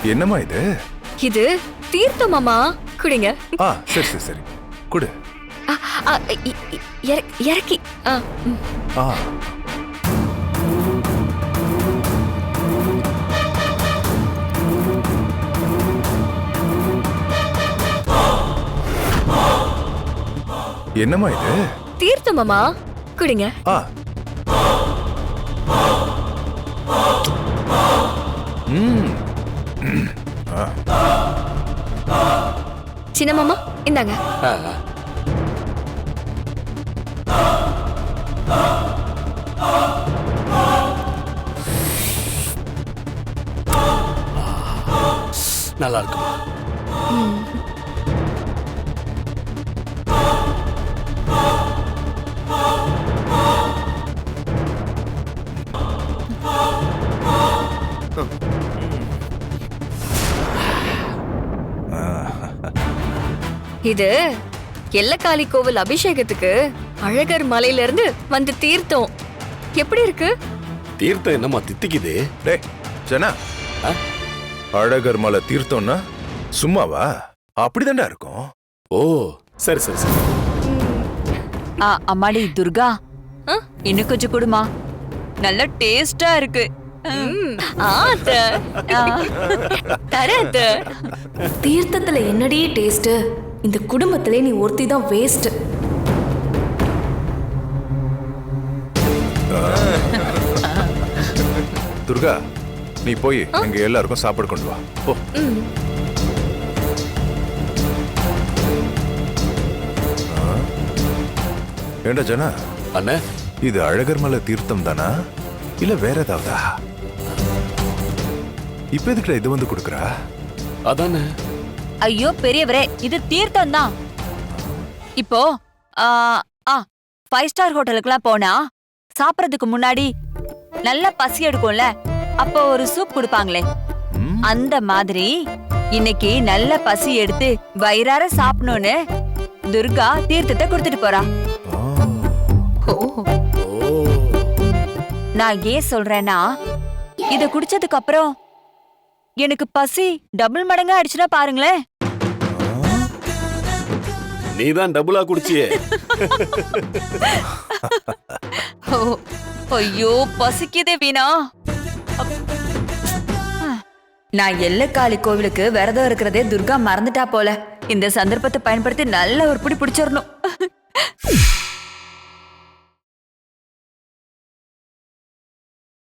என்னம்மா இது? இது தீர்த்தம் மாமா, குடிங்க. சரி சரி சரி, குடு. இறக்கி. என்னம்மா இது? தீர்த்தம் மாமா, குடிங்க. சின்ன மாமா, இந்தாங்க. நல்லா இருக்குமா? இது எல்லக்காளி கோவில் அபிஷேகத்துக்கு அழகர் மலையில இருந்து வந்து தீர்த்தம். எப்படி இருக்கு? தீர்த்தம் என்னமா தித்திக்குது? டேய் ஜனா, அழகர் மலை தீர்த்தம்னா சும்மாவா? அப்படிதான்டா இருக்கும். ஓ சரி சரி சரி. அம்மாடி துர்கா, இன்னும் கொஞ்சம் கொடுமா, நல்ல டேஸ்டா இருக்கு. தீர்த்தத்துல என்னடி டேஸ்ட்? இந்த குடும்பத்திலே நீ ஒருத்தி தான் வேஸ்ட். துர்கா, நீ போய் எங்க எல்லாருக்கும் சாப்பாடு கொண்டு வா. போ. ஏண்டா ஜனா, அண்ணே, இது அழகர் மலை தீர்த்தம் தானா இல்ல வேற ஏதாவதா? இப்ப எதுக்குடா இது வந்து குடுக்குறா? அதானே. ஐயோ பெரியவரே, இது தீர்த்தம் தான். இப்போ 5 ஸ்டார் ஹோட்டலுக்குலாம் போனா சாப்பிடறதுக்கு முன்னாடி நல்ல பசி எடுக்கும்ல, அப்போ ஒரு சூப் கொடுப்பாங்களே, அந்த மாதிரி இன்னைக்கு நல்ல பசி எடுத்து வயிறார சாப்பிடணும்னு துர்கா தீர்த்தத்தை கொடுத்துட்டு போறா. நான் ஏன் சொல்றேன்னா, இத குடிச்சதுக்கு அப்புறம் எனக்கு பசி டபுள் மடங்கா ஆயிடுச்சுன்னா பாருங்களேன். நீதான் டபுளா குடிச்சியே. ஐயோ பசிக்குதே வீணா. நான் எல்லக்காளி கோவிலுக்கு விரதம் இருக்கிறதே துர்கா மறந்துட்டா போல. இந்த சந்தர்ப்பத்தை பயன்படுத்தி நல்ல ஒரு பிடி பிடிச்சிடணும்.